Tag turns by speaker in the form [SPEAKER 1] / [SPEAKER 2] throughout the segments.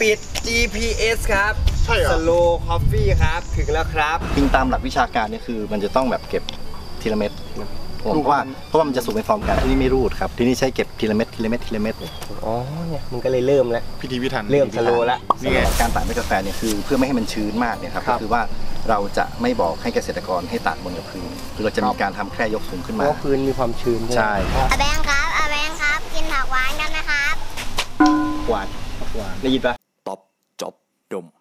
[SPEAKER 1] ปิด GPS ครับ
[SPEAKER 2] ใช่เหรอ
[SPEAKER 1] Slow Coffee ครับถึงแล้วครับ
[SPEAKER 3] จริงตามหลักวิชาการเนี่ยคือมันจะต้องแบบเก็บทีละเม็ดเพราะว่ามันจะสูงเป็นฟอร์มกันที่นี่ไม่รูดครับที่นี่ใช้เก็บทีละเม็ด
[SPEAKER 1] อ๋อเนี่ยมันก็เลยเริ่มแล้ว
[SPEAKER 2] พิธีพิถัน
[SPEAKER 1] เริ่มสโลว์แล้ว
[SPEAKER 3] นี่ไงการตากเม็ดกาแฟเนี่ยคือเพื่อไม่ให้มันชื้นมากเนี่ยครับก็คือว่าเราจะไม่บอกให้เกษตรกรให้ตากบนกับพื้นคือเราจะมีการทำแค่ยกสูงขึ้นมา
[SPEAKER 1] เพราะพื้นมีความชื้น
[SPEAKER 3] ใช่
[SPEAKER 4] อาแบงค์ครับอาแบงค์ครับกินผักหวานกันนะครับ
[SPEAKER 3] หวานได้ยินปะ
[SPEAKER 5] ตบจบดม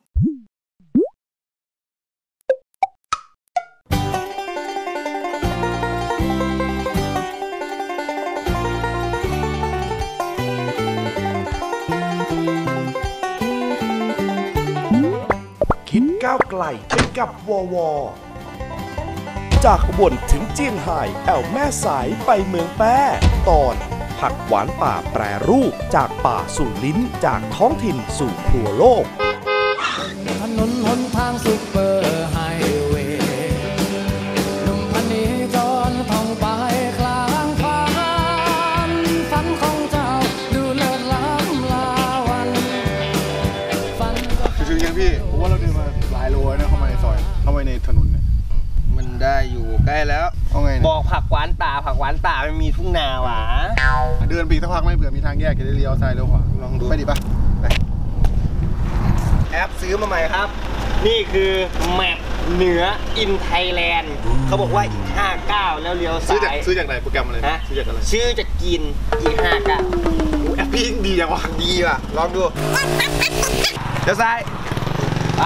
[SPEAKER 6] คิดก้าวไกลไปกับววจากอุบลถึงเจียงไฮ้แอวแม่สายไปเมืองแป้ตอนผักหวานป่าแปรรูปจากป่าสู่ลิ้นจากท้องถิ่นสู่ครัวโลก
[SPEAKER 7] ถนนหนทางซุปเปอร์ไฮเวย์หนุ่มพันนี้จรท่องไปกลางฝันของเจ้าดูเลิศล้ำลาวันฝัน
[SPEAKER 2] ถึงยังพี่ผมว่าเราเดินมาหลายโลนะเข้ามาในซอยเข้ามาในถนนเนี่ย
[SPEAKER 1] มันได้อยู่ใกล้แล้ว
[SPEAKER 2] เอาไง
[SPEAKER 1] บอกผักหวานป่ามันมีทุ่งนาหวา
[SPEAKER 2] เดินไปสักพักไม่เผื่อมีทางแยกจะได้เลี้ยวซ้ายเลี้ยวขวาลองดูไปดิปะไป
[SPEAKER 1] แอปซื้อมาใหม่ครับนี่คือแมปเหนืออินไทยแลนด์เขาบอกว่าอีก59แล้วเลี้ยวซ้าย
[SPEAKER 2] ซื้อจากไหนโปรแกรมอะไรซื้อจากอะไร
[SPEAKER 1] ชื่อจะกินอีก
[SPEAKER 2] 59แอปพี่ดีจังวะ
[SPEAKER 1] ดีว่ะลองดูเลี้ยวซ้ายไป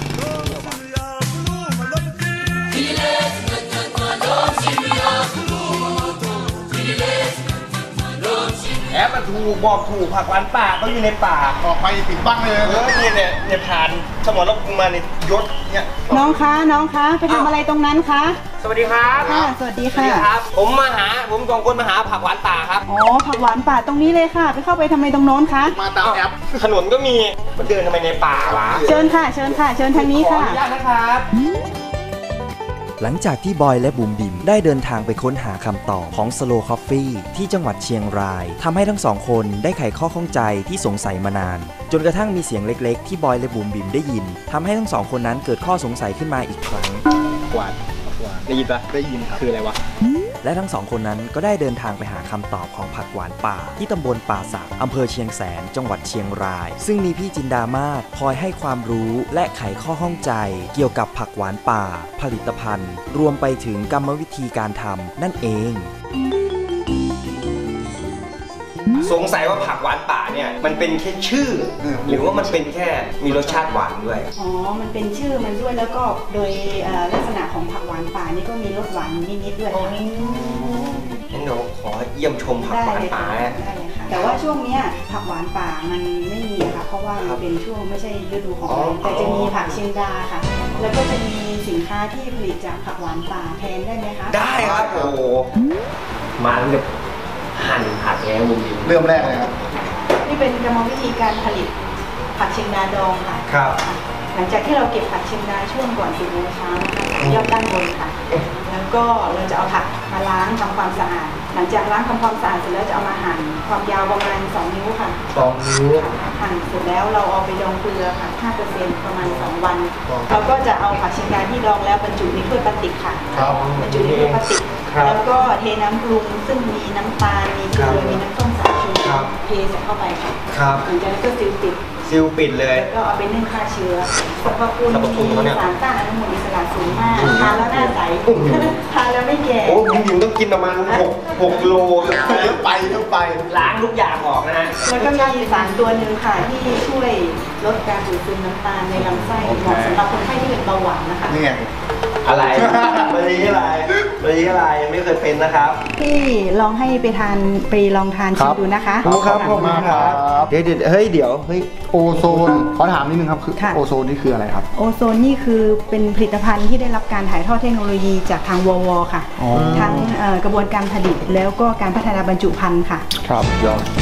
[SPEAKER 1] แอปมันถูกบอกถูกผักหวานป่าต้องอยู่ในป่า
[SPEAKER 2] ออกไปติดบ้างเลย
[SPEAKER 1] เนี่ยผ่านสมรภูมิมาในยศเนี่ย
[SPEAKER 8] น้องคะไปทำอะไรตรงนั้นคะ
[SPEAKER 1] สวัสดีครับ
[SPEAKER 8] ค่ะสวัสดีค่ะ
[SPEAKER 1] ผมสองคนมาหาผักหวานป่าครับ
[SPEAKER 8] อ๋อผักหวานป่าตรงนี้เลยค่ะไปเข้าไปทำไมตรงโน้นคะ
[SPEAKER 2] มาตามแอป
[SPEAKER 1] ถนนก็มีมันเดินทำไมในป่าวะ
[SPEAKER 8] เชิญค่ะเชิญทางนี้ค่ะ
[SPEAKER 1] ขออนุญาตนะครับ
[SPEAKER 5] หลังจากที่บอยและบุ๋มบิ๋มได้เดินทางไปค้นหาคำตอบของ Slow Coffee ที่จังหวัดเชียงรายทำให้ทั้งสองคนได้ไขข้อข้องใจที่สงสัยมานานจนกระทั่งมีเสียงเล็กๆที่บอยและบุ๋มบิ๋มได้ยินทำให้ทั้งสองคนนั้นเกิดข้อสงสัยขึ้นมาอีกครั้ง
[SPEAKER 3] หวานได้ยินปะได้ยินครับคืออะไรวะ
[SPEAKER 5] และทั้งสองคนนั้นก็ได้เดินทางไปหาคำตอบของผักหวานป่าที่ตำบลป่าสักอำเภอเชียงแสนจังหวัดเชียงรายซึ่งมีพี่จินดามาศคอยให้ความรู้และไขข้อข้องใจเกี่ยวกับผักหวานป่าผลิตภัณฑ์รวมไปถึงกรรมวิธีการทำนั่นเอง
[SPEAKER 1] สงสัยว่าผักหวานป่าเนี่ยมันเป็นแค่ชื่อหรือว่ามันเป็นแค่มีรสชาติหวานด้วย
[SPEAKER 8] อ๋อมันเป็นชื่อมันด้วยแล้วก็โดยลักษณะของผักหวานป่านี่ก็มีรสหวานนิดๆด้วยค่ะ
[SPEAKER 1] งั้นเดี๋ยวขอเยี่ยมชมผักหวานป่า
[SPEAKER 8] ได้เลยค่ะแต่ว่าช่วงนี้ผักหวานป่ามันไม่มีค่ะเพราะว่ามันเป็นช่วงไม่ใช่ฤดูของมันแต่จะมีผักเชียงดาค่ะแล้วก็จะมีสินค้าที่ผลิตจากผักหวานป่าแทนได้ไหมคะ
[SPEAKER 1] ได้ครับโอ้มาเลยหั่นผักแล้วมุมดี
[SPEAKER 2] เริ่มแรกเลยครับ
[SPEAKER 8] นี่เป็นกรรมวิธีการผลิตผักเชียงดาดองค่ะ
[SPEAKER 1] ครับ
[SPEAKER 8] หลังจากที่เราเก็บผักเชียงดาช่วงก่อน10 โมงเช้านะคะยอดด้านบนค่ะแล้วก็เราจะเอาผักมาล้างทำความสะอาดหลังจากล้างทำความสะอาดเสร็จแล้วจะเอามาหั่นความยาวประมาณ2 นิ้วค่ะ
[SPEAKER 1] 2 นิ้ว
[SPEAKER 8] หั่นเสร็จแล้วเราเอาไปดองเกลือค่ะ 5% ประมาณ2 วันเราก็จะเอาผักเชียงดาที่ดองแล้วบรรจุในถ้วยพลาสติกค่ะบรรจุในถ้วยพลาสติกแล้วก็เทน้ำปรุงซึ่งมีน้ำตาลมีเกลือมีน้ำส้มสายชูเทใส่เข้าไปค่ะหลังจากนั้นก็ซิลปิด
[SPEAKER 1] เลย
[SPEAKER 8] แล้วก็เอาไปนึ่งฆ่าเชื้อสรรพคุณมีสารต้านอนุมูลอิสระสูงมากทานแล้วหน้าใสทานแล้วไม่แก่
[SPEAKER 1] โอ้คุณหญิงต้องกินประมาณ6 โลต้องไปล้างทุกอย่างออกนะฮะ
[SPEAKER 8] แล้วก็มีสารตัวหนึ่งค่ะที่ช่วยลดการดูดซึมน้ำตาลในลำไส้เหมาะสำหรับคนไข้ที่เป็นเบาหวานนะคะ
[SPEAKER 1] นี่ไงอะไรมะลิอะไรไม่เคยเป็นนะครับ
[SPEAKER 8] พี่ลองให้ไปลองทานชิมดูนะคะ
[SPEAKER 2] ครับผมครับ
[SPEAKER 1] เดี๋ยว
[SPEAKER 2] โอโซนขอถามนิดนึงครับคือโอโซนนี่คืออะไรครับ
[SPEAKER 8] โอโซนนี่คือเป็นผลิตภัณฑ์ที่ได้รับการถ่ายทอดเทคโนโลยีจากทางววค่ะทั้งกระบวนการผลิตแล้วก็การพัฒนาบรรจุภัณฑ์ค่ะ
[SPEAKER 2] ครับยอด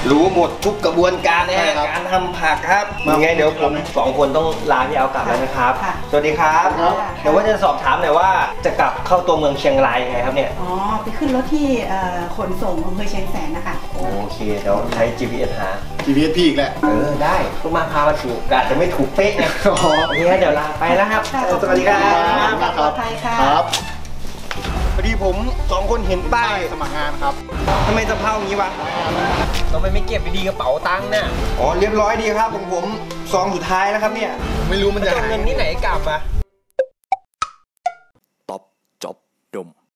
[SPEAKER 1] รู้หมดทุกกระบวนการนะฮะ
[SPEAKER 2] ใช่ครับ
[SPEAKER 1] การทำผักครับ
[SPEAKER 2] มา
[SPEAKER 1] ยังไงเดี๋ยวผม2 คนต้องลาพี่เอากลับแล้วนะครับ
[SPEAKER 8] ค่ะ
[SPEAKER 1] สวัสดีครับ
[SPEAKER 2] ครับ
[SPEAKER 1] เดี๋ยวว่าจะสอบถามหน่อยว่าจะกลับเข้าตัวเมืองเชียงรายยังไงครับเนี่ย
[SPEAKER 8] อ๋อไปขึ้นรถที่ขนส่งอำเภอเชียงแสนนะคะ
[SPEAKER 1] โอเคเดี๋ยวใช้ GPS หา
[SPEAKER 2] GPS พี่อีกแหละ
[SPEAKER 1] ได้ทุกมาพามาถูกอาจจะไม่ถูกเป๊ะไง
[SPEAKER 2] อ๋อ
[SPEAKER 1] โอเคเดี๋ยวลาไปแล้วครับ
[SPEAKER 8] ค่ะขอบคุณ
[SPEAKER 1] สวัสดีครับ
[SPEAKER 8] ค่ะปลอดภัยค่ะ
[SPEAKER 2] ครับ
[SPEAKER 1] พอดีผม2 คนเห็นป้าย
[SPEAKER 2] สมัครงานครับ
[SPEAKER 1] ทำไมสภาพอย่างนี้วะทำไมไม่เก็บดีๆกระเป๋าตังค์เนี่ยอ๋อเรียบร้อยดีครับผมซองสุดท้ายแล้วครับเนี่ย
[SPEAKER 2] ไม่รู้มันจะ
[SPEAKER 1] จะเอา
[SPEAKER 2] หาย
[SPEAKER 1] เงินที่ไหนกลับอะ